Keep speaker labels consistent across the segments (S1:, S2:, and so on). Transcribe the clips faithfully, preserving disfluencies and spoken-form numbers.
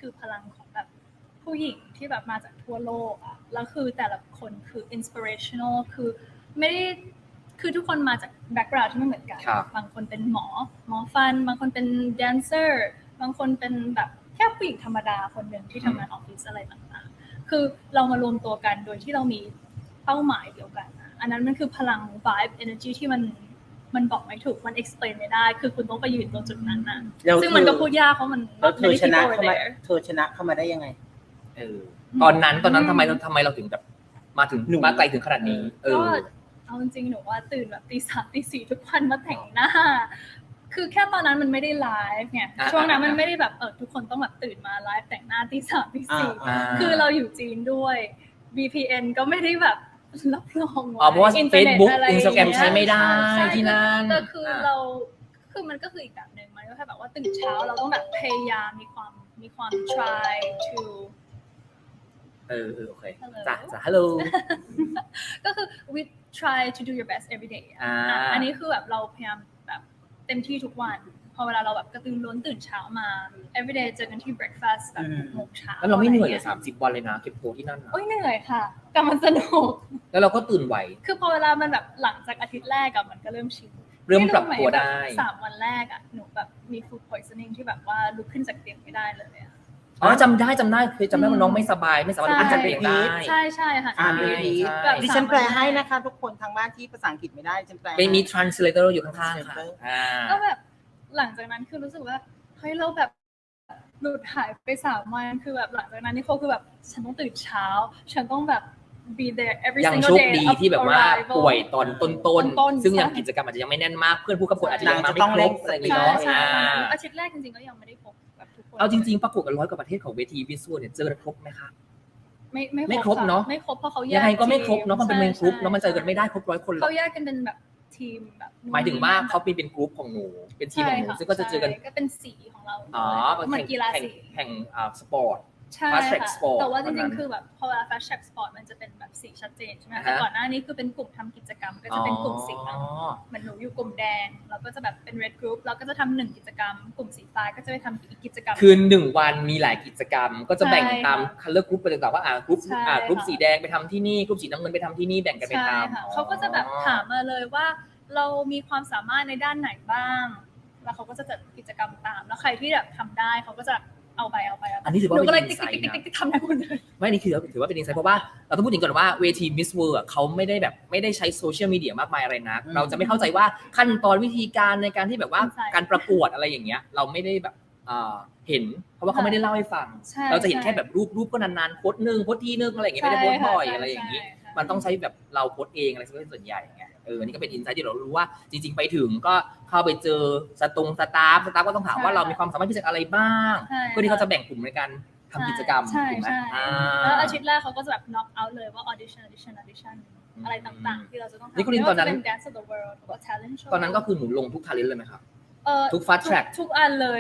S1: คือพลังของแบบผู้หญิงที่แบบมาจากทั่วโลกอ่ะแล้วคือแต่ละคนคือ inspirational คือไม่ได้คือทุกคนมาจากแบ็คกราวด์ที่ไม่เหมือนกันบางคนเป็นหมอหมอฟันบางคนเป็นแดนเซอร์บางคนเป็นแบบแค่ผู้หญิงธรรมดาคนหนึ่งที่ทำงานออฟฟิศอะไรต่างๆคือเรามารวมตัวกันโดยที่เรามีเป้าหมายเดียวกันอันนั้นมันคือพลัง vibe energy ที่มันมันบอกไม่ถูกมัน explain ไม่ได้คือคุณต้องไปยืนตรงจุดนั้นนะซึ่งมันก็พูดยากเพราะมัน
S2: แล้วเธอชนะเข้ามาเธอชนะเข้ามาได้ยังไง
S3: เออตอนนั้นตอนนั้นทำไมทำไมเราถึงแบบมาถึงมาไกลถึงขนาดนี้เออ
S1: เอาจริงๆหนูว่าตื่นแบบตีสามตีสี่ทุกวันมาแต่งหน้าคือแค่ตอนนั้นมันไม่ได้ไลฟ์ไงช่วงนั้นมันไม่ได้แบบเออทุกคนต้องแบบตื่นมาไลฟ์แต่งหน้าตีสามตีสี่คือเราอยู่จีนด้วย วี พี เอ็น ก็ไม่ได้แบบรับรอง
S3: อ๋อเพราะว่า Facebook Instagram ใช้ไม่ได้ที่นั่น
S1: ก็คือเราคือมันก็คืออีกแบบนึงมันก็แค่แบบว่าตื่นเช้าเราต้องแบบพยายามมีความมีความ try to
S3: เออเออโอเคจ้ะจ้ะ hello
S1: ก็คือ we try to do your best every day อ่าอันนี้คือแบบเราพยายามแบบเต็มที่ทุกวันพอเวลาเราแบบกระตือรือร้นตื่นเช้ามา every day เจอกันที่ breakfast แบบหกโมงเช้า
S3: แล้วเราไม่เหนื่อยเลยสามสิบวันเลยนะเก็บตัวที่นั่น
S1: โอ้ยเหนื่อยค่ะแต่มันสนุก
S3: แล้วเราก็ตื่นไว
S1: คือพอเวลามันแบบหลังจากอาทิตย์แรกอะมันก็เริ่มชิน
S3: เริ่มปรับตัวได้
S1: สามวันแรกอะหนูแบบมี food poisoning ที่แบบว่าลุกขึ้นจากเตียงไม่ได้เลย
S3: อ๋อจำได้จำได้เคยจำได้ว่าน้องไม่สบายไม่สามารถลุกขึ้นจากเตียงได้
S1: ใช่ใช่ค่ะ
S2: อ่านดีๆดิฉันแปลให้นะคะทุกคนทางบ้านที่ภาษาอังกฤษไม่ได้ฉันแปล
S3: เป็นมี translator อยู่ข้างๆค่ะ
S1: ก็แบบหลังจากนั้นคือรู้สึกว่าเฮ้ยเราแบบหลุดหายไปสามวันคือแบบหลังจากนั้นนี่เขาคือแบบฉันต้องตื่นเช้าฉันต้องแบบ be there every single day
S3: ยังโชคดีที่แบบว่าป่วยตอนต้นๆซึ่งยังกิจกรรมอาจจะยังไม่แน่นมากเพื่อนผู้กำกับอาจจะยังมาไม่ครบอะไรอย่างเงี้ยเนาะ
S1: อาทิตย์แรกจริงๆก็ยังไม่ได้พบแบบทุกคน
S3: เอาจริงๆประกวดกันร้อยกว่าประเทศของเวทีวิชวลเนี่ยเจอกันครบไหมคะ
S1: ไม่ไม่
S3: ไม่ครบเนาะ
S1: ไม่ครบเพราะเขาแยก
S3: ยังไงก็ไม่ครบเนาะมันเป็นเมนกรุ๊ปเนาะมันเจอกันไม่ได้ครบร้อยคน
S1: เขาแยกกันเป็นแบบทีมแบบ
S3: หมายถึงว่าเขาเป็นเป็นกรุ๊ปของหนูเป็นทีมของหนูซึ่งก็จะเจอกัน
S1: ก็เป็นสีของเรา
S3: อ๋อ
S1: เหมือนกีฬาสี
S3: แข่งอ่าสปอร์ต
S1: ใช่ค่ะแต่ว่าจริงๆคือแบบพอเวลา Fast Track Sport มันจะเป็นแบบสีชัดเจนใช่ไหมแต่ก่อนหน้านี้คือเป็นกลุ่มทำกิจกรรมก็จะเป็นกลุ่มสีเหมือนหนูอยู่กลุ่มแดงเราก็จะแบบเป็น Red Group เราก็จะทำหนึ่งกิจกรรมกลุ่มสีฟ้าก็จะไปทำอีกกิจกรรม
S3: คือหนึ่งวันมีหลายกิจกรรมก็จะแบ่งตาม Color Group ไปต่างๆว่าอ่ากรุ๊ปอ่ากรุ๊ปสีแดงไปทำที่นี่กรุ๊ปสีน้ำเงินไปทำที่นี่แบ่งกันไปทำ
S1: เขาก็จะแบบถามมาเลยว่าเรามีความสามารถในด้านไหนบ้างแล้วเขาก็จะจัดกิจกรรมตามแล้วใครที่แบบทำได้เขาก็จะเอาไปเอาไป
S3: อันนี้ถือว่า
S1: เป็น
S3: อินไซต์
S1: นะทำได้หมดเลย
S3: ไม่นี่คือถือว่าเป็นอินไซต์เพราะว่าเราต้องพูดถึงก่อนว่าเวที Miss World เขาไม่ได้แบบไม่ได้ใช้โซเชียลมีเดียมากมายอะไรนะเราจะไม่เข้าใจว่าขั้นตอนวิธีการในการที่แบบว่าการประกวดอะไรอย่างเงี้ยเราไม่ได้แบบเห็นเพราะว่าเขาไม่ได้เล่าให้ฟังเราจะเห็นแค่แบบรูปรูปก็นานๆโพสต์นึงโพสต์ทีนึงอะไรอย่างเงี้ยไม่ได้โพสต์บ่อยอะไรอย่างงี้มันต้องใช้แบบเราโพสต์เองอะไรส่วนใหญ่ไงเออนี่ก็เป็นอินไซต์ที่เรารู้ว่าจริงๆไปถึงก็เข้าไปเจอสตงสตาฟสตาฟก็ต้องถามว่าเรามีความสามารถพิเศษอะไรบ้างเพื่อที่เขาจะแบ่งกลุ่มในการทำกิจกรรม
S1: ถูกไหมแล้วอาทิตย์แรกเขาก็จะแบบ knock out เลยว่า audition audition audition อะไรต่างๆที่เราจะต้องทำ
S3: นี่คุณลินตอนนั้น
S1: dance of the world หรือว่า talent show
S3: ตอนนั้นก็คือหนูลงทุก talent เลยไหมครับทุก
S1: fast
S3: track
S1: ทุกอันเลย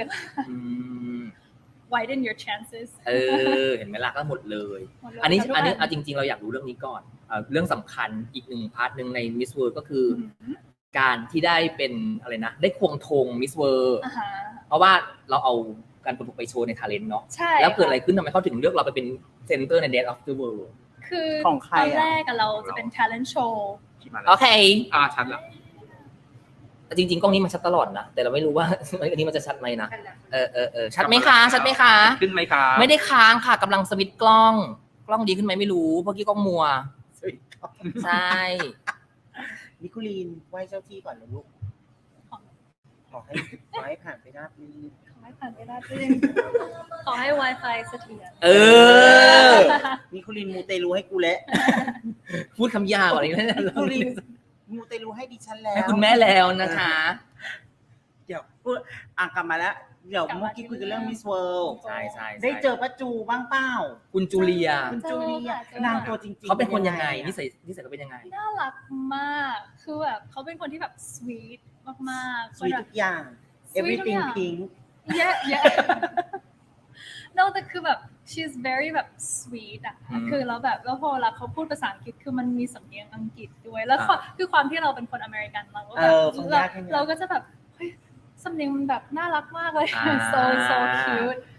S1: widen your chances
S3: เออเห็นไหมล่ะก็หมดเลยอันนี้อันนี้เอาจริงๆเราอยากรู้เรื่องนี้ก่อนเรื่องสำคัญอีกหนึ่งพาร์ทหนึ่งใน Miss World ก็คือการที่ได้เป็นอะไรนะได้ควงธง Miss World เพราะว่าเราเอาการประกวดไปโชว์ใน talent เนาะแล้วเกิดอะไรขึ้นทำไมเขาถึงเลือกเราไปเป็น center ใน Dance of the World
S1: คือตอนแรกเราจะเป็น talent show
S3: โอเค
S4: อ่าชัดแล้ว
S3: จริงๆกล้องนี้มันชัดตลอดนะแต่เราไม่รู้ว่าอันนี้มันจะชัดไหมนะเออเออเออชัดไหมคะชัดไหมคะ
S4: ขึ้นไหมคะ
S3: ไม่ได้ค้างค่ะกำลังสวิตช์กล้องกล้องดีขึ้นไหมไม่รู้เพราะกี้กล้องมัวใช่
S2: นิโคลีนไหว้เจ้าที่ก่อนนะลูกขอให้ขอให้ผ่านไปราบรื่น
S1: ขอให้ผ่านไปราบรื่นขอให้ Wi-Fi เสถียร
S3: เออ
S2: นิโคลีนมูเตลูให้กูแล้ว
S3: พูดคำยาวอะไรนั่น
S2: นิโคลีนมูเตลูให้ดิฉันแล้ว
S3: ให้คุณแม่แล้วนะคะ
S2: เดี๋ยวพูดอ่ะกลับมาแล้วเดี๋ยวเมื่อกี้คุยกันเรื่อง Miss World
S3: ใช่ใช่
S2: ได้เจอป้าจูบ้างเปล่า
S3: คุณจูเลีย
S2: คุณจูเลียนางตัวจริงๆ
S3: เขาเป็นคนยังไงนิสัยนิสัยเขาเป็นยังไง
S1: น่ารักมากคือแบบเขาเป็นคนที่แบบ sweet มาก
S2: ๆ sweet ทุกอย่าง everything pink
S1: yeah yeah no แต่คือแบบ she's very แบบ sweet อ่ะคือแล้วแบบแล้วพอเราเขาพูดภาษาอังกฤษคือมันมีสำเนียงอังกฤษด้วยแล้วคือความที่เราเป็นคนอเมริกันเราก็แบบเราก็จะแบบเฮ้ยสำเนียงมันแบบน่ารักมากเลย so so cute yeah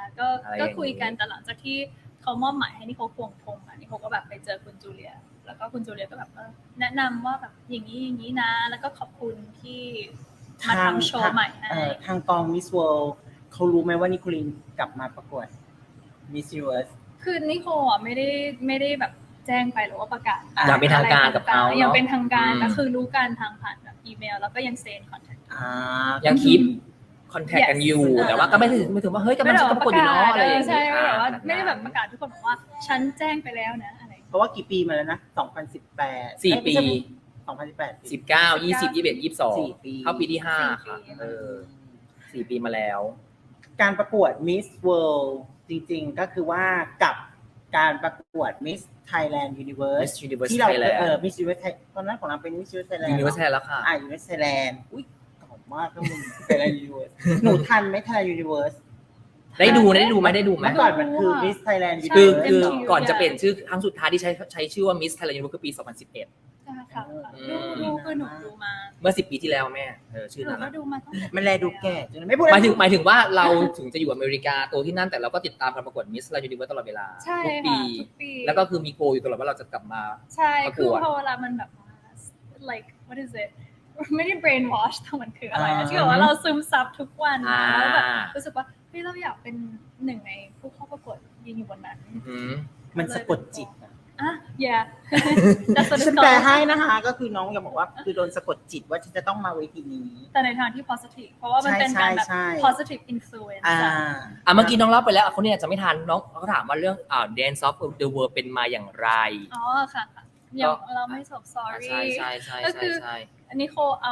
S1: ก็
S3: อะไร
S1: ก็
S3: อย่างนี้
S1: คุยกันแต่หลังจากที่เขามอบหมายให้นิโคควงธงอ่ะนิโคก็แบบไปเจอคุณจูเลียแล้วก็คุณจูเลียก็แบบเออแนะนำว่าแบบอย่างนี้อย่างนี้นะแล้วก็ขอบคุณที่มาทำโชว์ใหม่ให้
S2: เอ่อทางกอง Miss World เขารู้ไหมว่านิโคลีนกลับมาประกวด Miss Universe
S1: คือนิโคอ่ะไม่ได้ไม่ได้แบบแจ้งไปหรือว่าประกาศ
S2: อ่า
S3: อย่างเป็นทางการกับเขา
S1: อย่าง
S3: เนาะ
S1: เป็นทางการ
S3: อืม
S1: แต่คือรู้กันทางผ่านแบบอีเมลแล้วก็ยังเซ็นคอนแทค
S2: อ่า
S3: ยังคีปคอนแทคกันอยู่
S1: Yes
S3: แต่ว่าก็ไม่ถึงไม่ถึงว่าเฮ้ยกำลังจะประกวดอยู่เนาะอะไรอย่าง
S1: ใช่
S3: เงี้ย
S1: ไม่แบบว่า
S3: อ่า
S1: ไม่ได้แบบประกาศทุกคนบอกว่าฉันแจ้งไปแล้วนะอะไร
S2: เพราะว่ากี่ปีมาแล้วนะสองพันสิบแปด
S3: สี่ปี
S2: สองพันสิบแปด
S3: สิบเก้ายี่สิบยี่สิบเอ็ดยี่สิบสอง
S2: สี่ปี
S3: เข้าปีที่ห้า
S1: สี่
S3: ค่ะ
S1: ปี
S3: เออสี่ปีมาแล้ว
S2: การประกวด Miss World จริงๆ ก็คือว่ากับการประกวด Miss Thailand Universe
S3: Miss Universe
S2: ที่เรา
S3: Thailand
S2: เออ Miss Universe Thai- ตอนนั้นของเราเป็น Miss Universe Thailand
S3: ยูนิเวอร์แซลแล้วค่ะ
S2: อ่า Universe Thailand อุ้ยเก่ามากนะมึง Thailand Universe หนูทันไหม Thailand Universe
S3: ได้ดูนะได้ดูไหมได้ดูไหม
S2: เมื่อก่อนมันคือ Miss Thailand
S1: ใช่
S3: คือ
S2: Universe
S3: คือ
S1: เต็มที่
S3: ก่อนจะเปลี่ยนชื่อครั้งสุดท้ายที่ใช้ใช้ชื่อว่า Miss Thailand Universe คือปี สองพันสิบเอ็ด
S1: ใช่ค่ะ
S2: อื
S1: ดู
S2: ม
S1: ดูคือหนูดูมา
S3: เมื่อสิบปีที่แล้วแม่เออชื่อ
S1: หนู
S3: นั้น
S1: ก็
S3: อะ
S1: ดูมาตั้งแต่
S2: มันแลดูแก่จนไม่พูด
S3: หมายถึงหมายถึงว่าเราถึงจะอยู่อเมริกาโตที่นั่นแต่เราก็ติดตามการประกวด Miss Thailand Universe ตลอดเวลา
S1: ใช่
S3: ทุก
S1: ค่ะ
S3: ปี
S1: ทุกปี
S3: แล้วก็คือมีโกลอยู่ตลอดว่าเราจะกลับมา
S1: ใช่
S3: ประก
S1: คือ
S3: วด
S1: พอเวลามันแบบว่า like what is it ไม่ได้ brainwash แต่มันคืออะไร
S2: อ่า
S1: อะที่แบบว่าเราซึมซับทุกวัน
S3: อ่า
S1: แล้วแบบรู้สึกว่าเฮ้ยเราอยากเป็นหนึ่งในผู้เข้าประกวดยืนอยู่บนนั้น
S3: อืม
S2: มันสะกดจิตอะ
S1: อ่ะ yeah that's what
S2: ฉั
S1: it's
S2: นแปล
S1: called
S2: ให้นะคะ ก็คือน้องอยากบอกว่าคือโดนสะกดจิตว่าฉันจะต้องมาเวทีนี้
S1: แต่ในทางที่ positive เพราะว่ามันเป็นการแบบ
S2: ใช่ใช่ใช่
S1: positive influence
S2: อ่า
S1: อะ
S3: อ่ะเมื่อกี้น้องเล่าไปแล้วอ่ะคนนี้อาจจะไม่ทันน้องเขาถามว่าเรื่องอ่า Dance of the World เป็นมาอย่างไร
S1: อ๋อค่ะค่ะยังเราไม่จบ sorry
S3: ใช่ใช่ใช่
S1: ก็
S3: ใช่
S1: คือ
S3: ใช่
S1: อันนี้โคเอา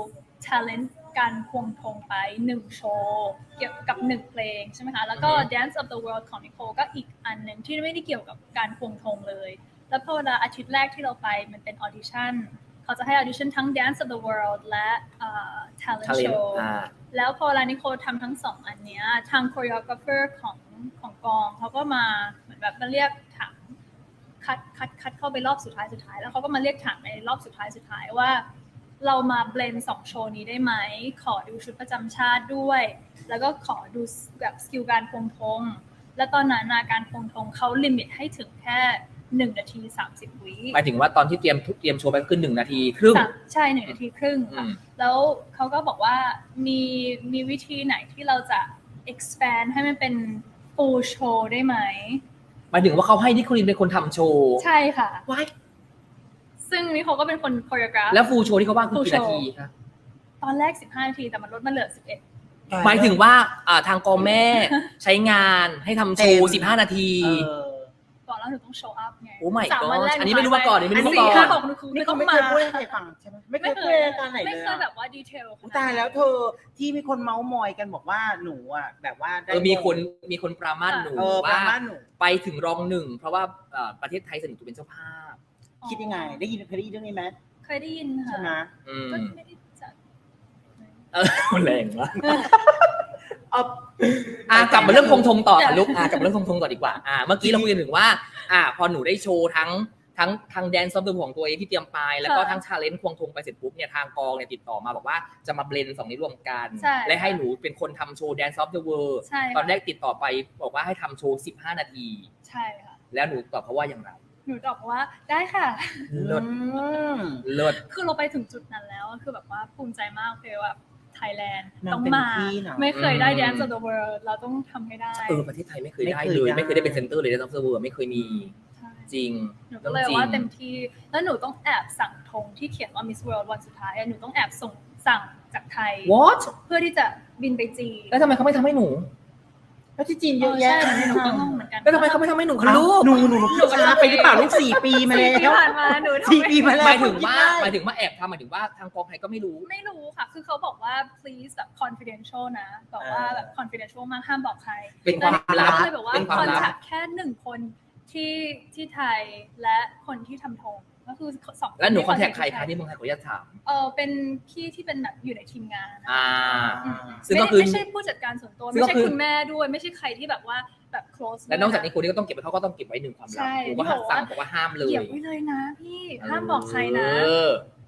S1: talent การควงธงไปหนึ่งโชว์เกี่ยวกับหนึ่งเพลงใช่ไหมคะ แล้วก็ Dance of the World ของนิโคก็อีกอันหนึ่งที่ไม่ได้เกี่ยวกับการควงธงเลย แล้วพอเวลาอาทิตย์แรกที่เราไปมันเป็นออดิชั่นเขาจะให้ออดิชั่นทั้ง Dance of the World และเอ่อ Talent
S3: Talent
S1: Show
S3: อ่า
S1: แล้วพอเวลานิโคทำทั้งสองอันเนี้ยทาง choreographer ของของกองเขาก็มาเหมือนแบบมาเรียกถามคัดคัดคัดเข้าไปรอบสุดท้ายสุดท้ายแล้วเขาก็มาเรียกถามในรอบสุดท้ายสุดท้ายว่า เรามาเบลนด์สองโชว์นี้ได้ไหมขอดูชุดประจำชาติด้วย แล้วก็ขอดูแบบสกิลการควงธงและตอนนั้นนะการควงธงเขาลิมิตให้ถึงแค่หนึ่งนาทีสามสิบวิ
S3: หมายถึงว่าตอนที่เตรียมเตรียมโชว์ไปก็คือหนึ่งนาทีครึ่ง
S1: สามใช่หนึ่งนาทีครึ่ง
S3: อื
S1: ค่ะ
S3: ม
S1: แล้วเขาก็บอกว่ามีมีวิธีไหนที่เราจะ expand ให้มันเป็น full show ได้ไหม
S3: หมายถึงว่าเขาให้นิโคลินเป็นคนทำโชว์
S1: ใช่ค่ะ
S3: ว้าย
S1: ซึ่งนี่เขาก็เป็นคน choreograph
S3: แล้วฟูลโชว์ที่เขาว่างคือ
S1: Full
S3: กี่นา
S1: show
S3: ทีคะ
S1: ตอนแรกสิบห้านาทีแต่มันลดมาเหลือสิบเอ็ด
S3: หมายถึงว่าอ่าทางกองแม่ใช้งานให้ทำโชว์สิบห้านาที
S2: เออ
S1: ก่อนแล้วหนูต้อง show up ไง
S3: โอ้ my
S1: สามวัน
S3: god
S1: แรก
S3: อันนี้ไม่รู้มาก่อนอันนี้ไม่รู้มาก่อน
S1: สี่ห้าหกหนูคือ
S2: นี่
S1: ไม่
S2: เขา
S1: ต้อง
S2: ไม่
S1: มา
S2: เคยพูดให้ใครฟังใช่ไหมไม่เคยพูดในรายการไหน
S1: ไม่
S2: เลย
S1: เคยแบ
S2: อะ
S1: บว่าดีเทล
S2: อุ๊ยตายแล้วเธอที่มีคนเมาส์มอยกันบอกว่าหนูอ่ะแบบว่าได้
S3: เออมีคนมีคนปรามาสหนู
S2: เออประ
S3: ว่า
S2: มาณหนู
S3: ไปถึงรองหนึ่งเพราะว่าเอ่อประเทศไทยเสนอตัวเป็นเจ้าภาพ
S2: คิดยังไง ได้ยินเคยได้ยินเรื่องนี้ไหม
S1: เคยได้ยินค่ะ
S2: ใช่ไหม
S3: อืม
S1: ก็ไม่ได้จัด
S3: เออแรงวะ
S2: เอา
S3: อ่ะกลับมาเรื่องคงทงต่อค่ะลูกอ่ะกลับมาเรื่องคงทงต่อดีกว่าอ่ะเมื่อกี้เราคุยกันถึงว่าอ่ะพอหนูได้โชว์ทั้งทั้งทางแดนซ์ซอฟต์ของตัวเองที่เตรียมไปแล้วก็ทั้งชาเลนจ์ควงทงไปเสร็จปุ๊บเนี่ยทางกองเนี่ยติดต่อมาบอกว่าจะมาเบลนด์สองนี้รวมกัน
S1: ใช่
S3: และให้หนูเป็นคนทำโชว์แดนซ์ซอฟต์เวิร์
S1: ใช่ค่ะ
S3: ตอนแรกติดต่อไปบอกว่าให้ทำโชว์สิบห้านาที
S1: ใช่ค่ะ
S3: แล้วหนูตอบเขาว่าอย่างไร
S1: หนูตอบว่าได้ค่ะ
S3: เลิศ
S2: อืม
S3: เลิศ
S1: คือเราไปถึงจุดนั้นแล้วคือแบบว่าภูมิใจมากเลยว่าไทยแลนด์
S2: นาง
S1: ต้อง
S2: เป็น
S1: มา
S2: ที่เนอะ
S1: ไม่เคยได้
S3: อืม
S1: Dance of the World เราต้องทำให้ได้
S3: เออประเทศไทยไม่เคยได้
S2: ไม่เคย
S3: เลย
S2: ได้
S3: ไม่เคยได้เป็นเซนเตอร์เลยแดนซ์ซอฟต์เวิร์ไม่เคยมี
S1: ใช่
S3: จริง
S1: หนูก็เลยว่าเต็มที่ แล้วหนูต้องแอบสั่งธงที่เขียนว่า Miss World วันสุดท้ายอะหนูต้องแอบส่งสั่งจากไทย
S3: what
S1: เพื่อที่จะบินไปจีน
S3: แล้วทำไมเขาไม่ทำให้หนู
S2: แล้วที่จีน
S1: เอ
S2: เยอะ
S1: อ
S2: แยะ
S1: ใช่หนูก็งงเหมือนกัน
S3: แล้วทำไมเขาไม่ทำให้หนูคะลูก
S2: หนูหนูหนูพูดช้าไปหรือเปล่าลูกสี่ปีมา
S1: สี่
S2: แล้
S1: ปี
S2: ว
S1: ผ่านมาหนูทำ
S2: สี่
S1: ไม่
S2: ปีมาแล้ว
S3: หมายถึงว่า
S2: คิดได้
S3: หมายถึงว่าแอบทำหมายถึงว่าทางกองไทยก็ไม่รู้
S1: ไม่รู้ค่ะ คือเขาบอกว่า please แบบ confidential นะบอกว่าแบบ confidential มากห้ามบอกใคร
S3: เป็นความลับ
S1: ก็เลยบอกว่า
S3: เป็นความลับ
S1: contact แค่หนึ่งคนที่ที่ไทยและคนที่ทำธงก็คือสอง
S3: แล้วหนูคอนแทค
S1: ที่
S3: ใครคะที่เมืองไทยขออนุญาตถาม
S1: เออเป็นพี่ที่เป็นแบบอยู่ในทีมงานนะ
S3: อ่า
S1: อืม
S3: ซึ่ง
S1: ไม่
S3: ก็
S1: ได้
S3: คือ
S1: ไม่ใช่ผู้จัดการส่วนตัว
S3: ซึ่ง
S1: ไม่
S3: ก็
S1: ใช่
S3: คือ
S1: คุณแม่ด้วยไม่ใช่ใครที่แบบว่าแบบ close
S3: และนอกจาก
S1: ด้วย
S3: นี้คนนี้ก็ต้องเก็บไว้เขาก็ต้องเก็บไว้หนึ่งความลับ
S1: ใช่
S3: หนูก็
S1: ที่บอกว่า
S3: สั่งบอกว่าห้ามเลย
S1: เหยียบไว้เลยนะพี่ห้ามบอกใครนะ
S3: เออ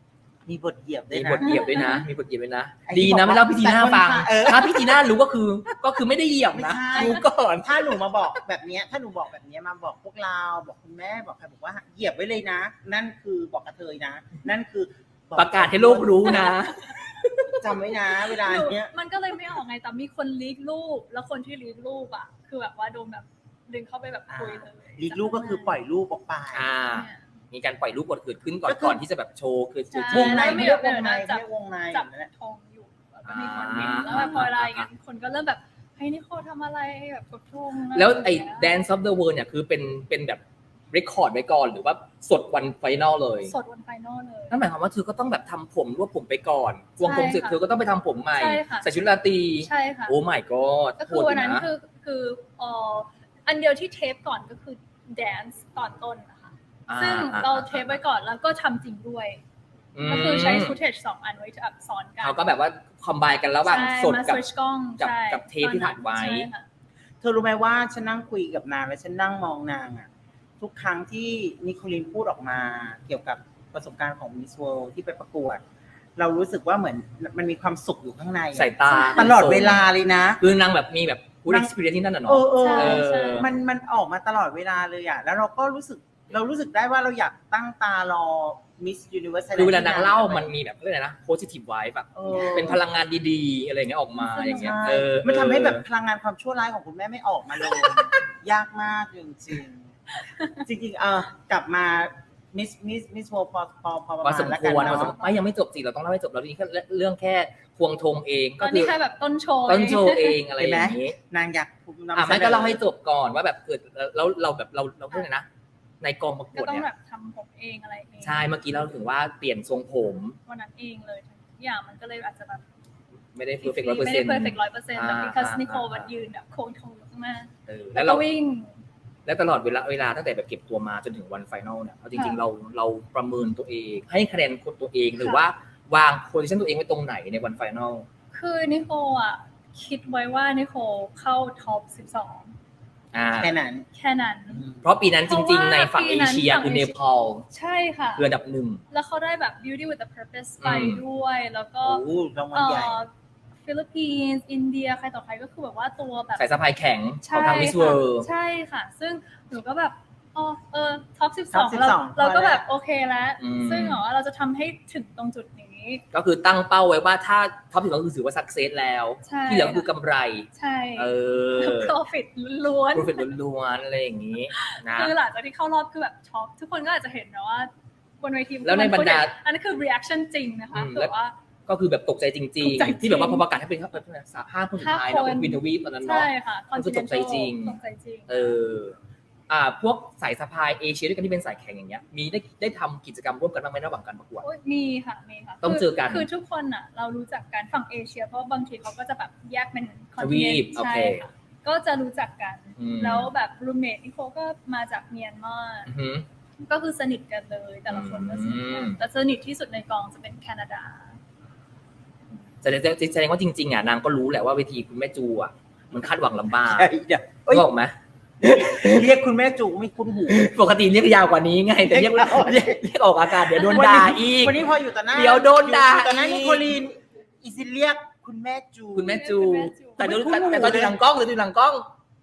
S2: มีบทเหยียบด้วย
S3: มี
S2: นะ
S3: บทเหยียบด้วยนะ มีบทเหยียบด้วยนะ
S2: ไอ้ที่
S3: ดีนะ
S2: บอกว่า
S3: ไม่เล่าพี่จีน่าฟัง
S2: เออ
S3: ถ้าพี่จีน่ารู้ก็คือก็คือไม่ได้เหยียบนะ
S2: ไม่ใช่
S3: รู้ก่อน
S2: ถ้าหนูมาบอกแบบเนี้ยถ้าหนูบอกแบบเนี้ยมาบอกพวกเราบอกคุณแม่บอกใครบอกว่าเหยียบไว้เลยนะ นั่นคือบอกกระเทยนะ นั่นคือบอก
S3: ประกาศให้โลกรู้นะ
S2: จำไว้นะ เวลาเนี้ย
S1: มันก็เลยไม่ออกไงแต่มีคนลีกรูปแล้วคนที่ลีกรูปอ่ะคือแบบว่าโดนแบบดึงเข้าไปแบบคุยเลย
S2: ลีกลูกก็คือปล่อยลูกออกไป
S3: อ่า
S1: เนี่ย
S3: มีการปล่อยรูปบทเกิดขึ้นก่อน
S2: ก็คือ
S3: ก่อนที่จะแบบโชว์คือ
S1: ใช่
S3: จุด
S2: วงใน
S1: แล้วมี
S2: ไม่เรียก
S1: แบบ
S2: วงใน
S1: จับ
S2: เรียกวงใน
S1: จับ
S2: นั่นแหละ
S1: ทองอยู่แล้วก็มีคนเห็นแล้วแบบพอเวลาอย่างเงี้ยคนก็เริ่มแบบเฮ้ยนี่โคทำอะไรแบบกดทง
S3: แล้วไอ้ Dance of the World เนี่ยคือเป็นเป็นแบบเรคคอร์ดไว้ก่อนหรือว่าสดวันไฟนอลเลย
S1: สดวันไฟนอลเลย
S3: นั่นหมายความว่าเธอก็ต้องแบบทำผมรวบผมไปก่อนวงผมเสร็จ
S1: ใช่ค่ะ
S3: เธอก็ต้องไปทำผมใหม่
S1: ใช่ค่ะ
S3: ใส่ชุดราตรี
S1: ใช่ค่ะ
S3: โอ้ my god
S1: ก็คือวันนั้น
S3: โหดยู่ะ
S1: คือคือเอ่ออันเดียวที่เทปก่อนก็คือแดนซ์ตอนต้นนะคะ
S3: อ่า
S1: ซึ่ง
S3: อ่า
S1: เราเทปไว้ก่อนแล้วก็ทำจริงด้วย
S3: ม
S1: ก็คือใช้ฟุตเทจสองอันไว้แบบซ้อนกัน
S3: เขาก็แบบว่าคอมไบกันระหว่าง
S1: ใช่
S3: สด
S1: มา
S3: กับ
S1: สวิตชกล้อง
S3: กับ
S1: ใช่
S3: กับเทปที่ถ่ายไว้
S1: ใช่ค่ะ
S2: เธอรู้ไหมว่าฉันนั่งคุยกับนางแล้วฉันนั่งมองนางอ่ะทุกครั้งที่นิโคลินพูดออกมาเกี่ยวกับประสบการณ์ของ Miss World ที่ไปประกวด เรารู้สึกว่าเหมือนมันมีความสุขอยู่ข้างในอะ
S3: สายตา
S2: ตลอดเวลาเลยนะ
S3: คือนางแบบมีแบบพูด
S2: นาง
S3: experience ที่นั่นน่ะ
S2: เอ
S3: เนาะ
S2: อเออ
S1: ใช่ใช่
S2: มันมันออกมาตลอดเวลาเลยอ่ะแล้วเราก็รู้สึกเรารู้สึกได้ว่าเราอยากตั้งตารอ Miss Universe
S3: คือเวลานางเล่ามันมีแบบเรื่องอะไรนะ positive vibe แบบ
S2: เออ
S3: เป็นพลังงานดีๆ อะไรอย่างเงี้ยออกมาอย่างเงี้ย
S2: ใช่
S3: เออ
S2: มันทำให้แบบพลังงานความชั่วร้ายของคุณแม่ไม่ออกมาเลย ยากมากจริงๆจริงๆเออกลับมา Miss Miss Miss World พอพอพอประ
S3: พอ
S2: มา
S3: ส
S2: ณ
S3: ม
S2: แล้ว
S3: ค
S2: กัน
S3: วรพอสม
S2: เนาะ
S3: ไม่ยังไม่จบสิเราต้องเล่าให้จบแล้วนี่แค่เรื่องแค่ควงธงเอง
S1: ต
S3: ก็
S1: อน
S3: คื
S1: นี้
S3: อ
S1: แค่แบบต้นโชว์
S3: ต้นโชว์เองอะไรอย่างนี้
S2: นางอยากนำ
S3: อ่ะ
S2: เสน
S3: ไม่ก็เล่าให้จบก่อนว่าแบบเกิดแล้วเราแบบเราเราพูดเลยนะ ในกองประก
S1: ก็
S3: วด
S1: ต้อง
S3: เนี่ย
S1: แบบทำผมเองอะไรเอง
S3: ใช่เมื่อกี้เราถึงว่าเปลี่ยนทรงผม
S1: วันนั้นเองเลยทุกอย่างมันก็เลยอาจจะแบบ
S3: ไม่ได้ perfect ร้อยเปอร์
S1: ไม่
S3: เซ็
S1: ได้
S3: นต์
S1: perfect ร้อยเปอร์เซ็นต์แต่
S3: อ่า
S1: because
S3: อ่า
S1: นิโคล
S3: อ่า
S1: มันยืนแบบโค้งทงข้างหน้า
S3: เออ
S1: แล้
S3: แล้ว ว
S1: ก็
S3: เรา
S1: วิ่ง
S3: และตลอดเวลาเวลาตั้งแต่แบบเก็บตัวมาจนถึงวันไฟนอลเนี่ยเอาจริงๆ
S1: ค่ะ
S3: เราเราประเมินตัวเอง ให้คะแนนคนตัวเองหรือว่าวางโพซิชันตัวเองไว้ตรงไหนในวันไฟนอล
S1: คือนิโคลอ่ะคิดไว้ว่านิโคลเข้าท็อปสิบสอง
S3: อ่า
S2: แค่นั้น
S1: แค่นั้น
S3: เพราะปีนั้นจริงๆ ในฝั่ง
S1: เพราะ
S3: เอ
S1: ว่า
S3: เชีย
S1: ปีนั้น
S3: คือเนปาล
S1: ใช่ค่ะ
S3: คืออันดับหนึ่ง
S1: แล้วเขาได้แบบ Beauty with the Purpose ไป
S3: อืม
S1: ด้วย แล้วก็
S2: โอ้รางวัล
S1: เอ่
S2: ใหญ่
S1: อฟิลิปปินส์อินเดียใครต่อใครก็คือแบบว่าตัวแบบ
S3: สายสะพายแข็งข
S1: ใช่
S3: องทางมิสเวิ
S1: ค่ะ
S3: ร์
S1: ใช่ค่ะ ซึ่งหนูก็แบบอ๋อเออท็อปสิบส
S2: ท็
S1: อ
S2: อง ป
S1: เรา
S2: สิบสอง
S1: เราก็
S2: พอแล้ว
S1: แบบโอเคแล้ว
S3: อืม
S1: ซึ่งเหรอว่าเราจะทำให้ถึงตรงจุดนี้
S3: ก็คือตั้งเป้าไว้ว่าถ้าท็อปถึงก็คือถือว่าสักเซสแล้ว
S1: ใช่
S3: ที่เหลือคือกำไร
S1: ใช่
S3: เออ
S1: profit ล้วน
S3: โปรฟิตล้วนๆอะไรอย่างนี้นะ
S1: คือหลังจากที่เข้ารอบคือแบบช็อกทุกคนก็อาจจะเห็นนะว่าบนเวที
S3: แล้วในบรรดา
S1: อันนั้นคือ reaction จริงนะคะ
S3: อืม
S1: คือว่า
S3: ก็คือแบบตกใจจริง
S1: ตกใจจริง
S3: ๆ ที่แบบว่าพอประกาศให้เป็นห้าคนสุดท้ายเนาะเป็นวินเทอร์วีฟตอนนั้นเนาะ
S1: ใช่ค่ะ
S3: ก็คือตกใจจริง
S1: ตกใจจริง
S3: เอออ่าพวกสายสะพายเอเชียด้วยกันที่เป็นสายแข่งอย่างเงี้ยมีได้ได้ทำกิจกรรมร่วมกันบ้างไหมระหว่างการประกวด
S1: โอ้ยมีค่ะมีค่ะ
S3: ต้องเจอกัน
S1: คือทุกคนอ่ะ เรารู้จักกันฝั่งเอเชีย เพราะบางทีเขาก็จะแบบแยกเป็นคอน
S3: ท
S1: ติ
S3: วี
S1: เนน
S3: ป
S1: ต์
S3: โอ
S1: ใช่
S3: เค
S1: ค่ะก็จะรู้จักกัน
S3: อืม
S1: แล้วแบบรูเมทนี่เขาก็มาจากเมียนมา
S3: อือหือ
S1: ก็คือสนิทกันเลยแต่ละคนก็สนิทกัน
S3: อืม
S1: แต่สนิทที่สุดในกองจะเป็นแคนาดา
S3: แสดงแสดงว่าจริงๆอ่ะนางก็รู้แหละว่าเวทีคุณแม่จูอ่ะมันคาดหวังลำบาก
S2: ใช่เดี๋ยวเอ้ย
S3: บอกไหม
S2: เรียกคุณแม่จูไม่คุ้นหู
S3: ปกติเรียกยาวกว่านี้ไงแต่เรียก
S2: เรียก
S3: เรียกเรียกออกอากาศเดี๋ยวโดนด่าอีก
S2: วันนี้พออยู่ต่อหน้า
S3: เดี๋ยวโดนด่า
S2: อยู่ต่อหน้า
S3: อีก
S2: นิโคลีนอีซิเรียกคุณแม่จู
S3: คุณแม่จู
S1: คุณแม่จู
S3: แต่เดี๋ยว
S2: ไม่
S3: แต่
S2: คุ้นหู
S3: แต่ตอนอยู่หลังกล้องหรืออยู่หลังกล้อง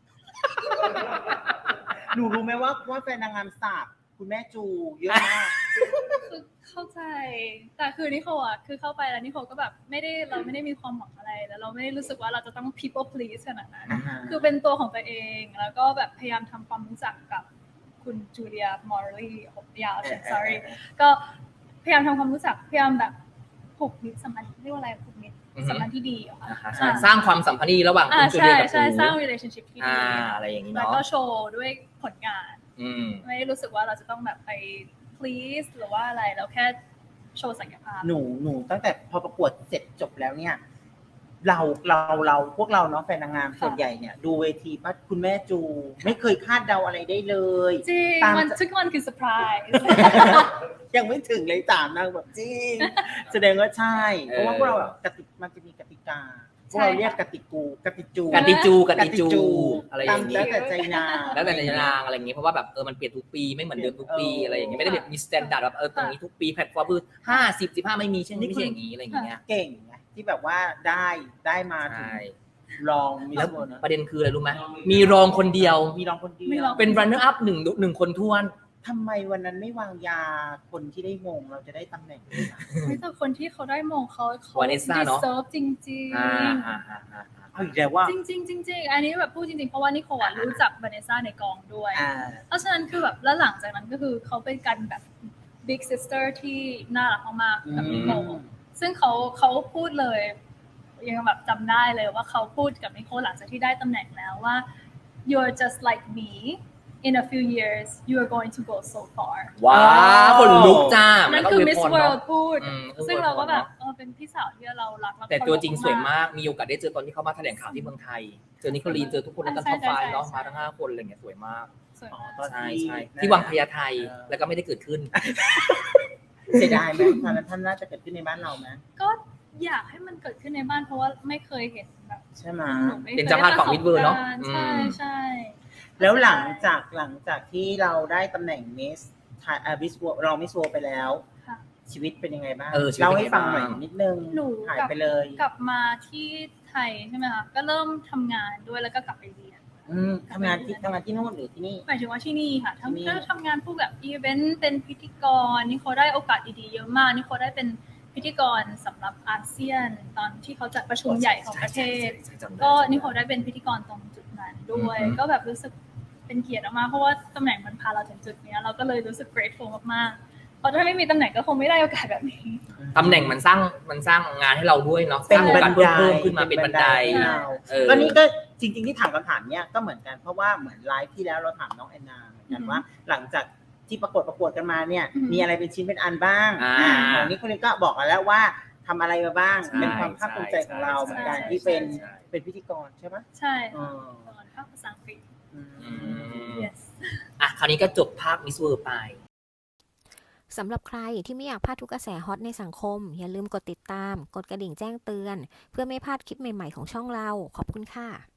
S2: หนูรู้ไหมว่าว่าแฟนนางงามสาบคุณแม่จูเยอะมาก
S1: คือเข้าใจ แต่คือนิโคลอ่ะคือเข้าไปแล้วนิโคลก็แบบไม่ได้เราไม่ได้มีความหวังอะไรแล้วเราไม่ได้รู้สึกว่าเราจะต้อง people please ขนาดนั้น
S2: อ่าฮะ
S1: คือเป็นตัวของตัวเอง แล้วก็แบบพยายามทำความรู้จักกับคุณจูเลียมอร์ลียาว sorry ก็พยายามทำความรู้จักพยายามแบบผูกมิตรสัมพันธ์เรียกว่าอะไรผูกมิตร
S3: อือฮึ
S1: สัมพันธ์ที่ดีอะค่ะ
S3: นะคะ
S1: อ่า
S3: สร้างความสัมพันธ์ที่ระหว่าง
S1: อ่า
S3: คุณจู
S1: ใช่
S3: เลียกับ
S1: ใช่
S3: ปู
S1: สร้าง relationship ที่
S3: อ่า
S1: ดี
S3: อะไรอย่างนี้
S1: แล้ว
S3: เนาะ
S1: ก็โชว์ด้วยผลงาน
S3: อืม
S1: ไม่ได้รู้สึกว่าเราจะต้องแบบไป please หรือว่าอะไรเราแค่โชว์ศักยภาพ
S2: หนูหนูตั้งแต่พอประกวดเสร็จจบแล้วเนี่ย เราเราเราพวกเราเนาะแฟนนางงาม
S1: ค่ะ
S2: ส่วนใหญ่เนี่ยดูเวทีป้าคุณแม่จู ไม่เคยคาดเดาอะไรได้เลย
S1: จริง
S2: ตาม
S1: มันทุกวันคือเซอร์ไพรส์
S2: ยังไม่ถึงเลยตามนางแบบจริง แสดงว่าใช่ เพราะว่าพวกเราแบบกติกมันจะมีกติกาพวกเราเรียกกติกูกติจู
S3: กติจูกติจูอะไรอ
S2: ตาม
S3: ย่าง
S2: แล้
S3: นี้
S2: วแต่ใจนาง
S3: แล้วแต่ในนางอะไรอย่างนี้เพราะว่าแบบเออมันเปลี่ยนทุกปีไม่เหมือนเดิมทุกปีอะไรอย่างเงี้ยไม่ได้แบบมีสแตนดาร์ดแบบเออตรงนี้ทุกปีแพลตฟอร์มคือห้าสิบสิบห้าไม่มีเช่นไม่ใช่อย่างนี้อะไรอย่างเงี้ย
S2: เก่งไงที่แบบว่าได้ได้มาถึง
S3: ใช่
S2: รองมิ
S3: แล้
S2: ส
S3: ว
S2: เวิร์นะ
S3: ประเด็นคืออะไรรู้ไหมมีรองคนเดียว
S2: มีรองคนเดี
S1: มี
S2: ย
S1: ร
S2: ว
S1: อง
S3: เป็น runner up หนึ่งหนึ่งคนท้วน
S2: ทำไมวันนั้นไม่วางยาคนที่ได้มงเราจะได้ตำแหน่งนี้ล่ะ
S1: ไม่แต่คนที่เขาได้มงเขาเขา
S3: Vanessa เนอะ
S1: deserve จริง
S3: อ่า
S1: ๆ
S3: อ่าอ่าอ่า
S2: เอาอีกแล้วว่า
S1: จริงจริงๆจริงๆอันนี้แบบพูดจริงๆ เพราะว่านิโคลอะรู้จักวาเนซ่าในกองด้วย
S2: อ่า
S1: เพราะฉะนั้นคือแบบแล้วหลังจากนั้นก็คือเขาเป็นกันแบบ big sister ที่น่ารักมากๆกับนิโคลซึ่งเขาเขาพูดเลย ยังแบบจำได้เลยว่าเขาพูดกับนิโคลหลังจากที่ได้ตำแหน่งแล้วว่า you're just like me in a few years you are going to go so far
S3: ว้าวคนลุกจ้า
S1: นั่น
S3: แล้วก็
S1: คือ
S3: วย
S1: Miss
S3: พร
S1: World
S3: เนาะ
S1: พูด
S3: อืม
S1: ซึ่งเราก็แบบ
S3: อวยพรเนอะ
S1: เออเป็นพี่สาวที่เรารักและ
S3: แต่
S1: เคารพ
S3: ตัวจริงสวย
S1: มาก
S3: มากมีโอกาสได้เจอตอนที่เขามาแถลงข่าวที่เมืองไทย เจอนิโคลีนเจอทุกคนในกัน
S1: ใช่
S3: ท็อปไฟ
S1: ใช่
S3: เนาะ
S1: ใช่
S3: มาทั้งห้าคนอะไรเงี้ยสวยมาก
S1: สวย
S2: อ๋อ
S1: มาก
S2: ตอน
S3: ใช่
S2: ที่
S3: ใช่ที่วังพญาไท
S2: เออ
S3: แล้วก็ไม่ได้เกิดขึ้น
S2: เสียดายไหมตอนนั้นท่านน่าจะเกิดขึ้นในบ้านเราไหม
S1: ก็อยากให้มันเกิดขึ้นในบ้านเพราะว่าไม่เคยเห็นแบบ
S2: ใช่ไหม
S1: หนูไม่เคย
S3: เป็นเจ้าภาพของ Miss World เนอะ
S1: ได้ประสบการณ์ใช่
S3: อืม
S1: ใช่
S2: แล้วหลังจากหลังจากที่เราได้ตำแหน่งมิสไทยมิสรองมิสโวไปแล้ว
S1: ค่ะ
S2: ชีวิตเป็นยังไงบ้าง
S3: เออชีวิต
S2: เล่า
S3: เป็น
S2: ให้
S3: ไง
S2: ฟัง
S3: บ้าง
S2: หน่อยนิดนึง
S1: หนู
S2: หาย
S1: กลับ
S2: ไปเลย
S1: กลับมาที่ไทยใช่ไหมคะก็เริ่มทำงานด้วยแล้วก็กลับไปเรียน
S2: อืมทำงานที่ทำงานที่นู่นหรือที่นี่
S1: หมายถึงว่าที่นี่ค่ะ
S2: ที่นี่
S1: ทำก็ทำงานพวกแบบอีเวนต์เป็นพิธีกรนี่เขาได้โอกาสดีๆเยอะมากนี่เขาได้เป็นพิธีกรสำหรับอาเซียน ตอนที่เขาจัดประชุมใหญ่ของประเทศ
S3: ใช่ใช่ใช่จำได้
S1: ก็
S3: จำได้
S1: นี่เขาได้เป็นพิธีกรตรงจุดนั้นด้วย
S3: อือฮึ
S1: ก็แบบรู้สึกเป็นเกียรติมากๆเพราะว่าตำแหน่งมันพาเราถึงจุดเนี้ยเราก็เลยรู้สึก grateful มากๆเพราะถ้าไม่มีตำแหน่งก็คงไม่ได้โอกาสแบบนี้
S3: ตำแหน่งมันสร้างมันสร้างงานให้เราด้วยเนาะ
S2: เป็น
S3: สร้างโอกาส
S2: บันได
S3: เพิ่มขึ้นมาเป็นบันได
S2: ให้เรา
S3: เออ
S2: ก็นี่ก็จริงๆที่ถามคำถามเนี้ยก็เหมือนกันเพราะว่าเหมือนไลฟ์ที่แล้วเราถามน้องแอนนาเหมือนกัน
S1: อือฮึ
S2: ว่า หลังจากที่ประกวดประกวดกันมาเนี่ย
S1: อือฮึ
S2: มีอะไรเป็นชิ้นเป็นอันบ้าง
S3: อ่า
S2: อ่าของนี้คนนี้ก็บอกกันแล้วว่าทำอะไรมาบ้าง
S3: ใช่
S2: เป็นความภาคภูมิใจของเรา
S3: ใช่
S2: เหมือนกัน
S1: ใช่
S2: ที่เป็น
S3: ใช่
S2: เป็นพิธีกรใช่ไหม
S1: ใช่
S2: อ๋
S1: ค่ะ
S2: อ
S1: ตอนภาคภาษาอังกฤษ
S2: อืม
S3: อืม
S1: yes
S3: อ่ะคราวนี้ก็จบภาคมิสเวิร์ไป
S4: สำหรับใครที่ไม่อยากพลาดทุกกระแสฮอตในสังคม อย่าลืมกดติดตาม กดกระดิ่งแจ้งเตือน เพื่อไม่พลาดคลิปใหม่ๆของช่องเรา ขอบคุณค่ะ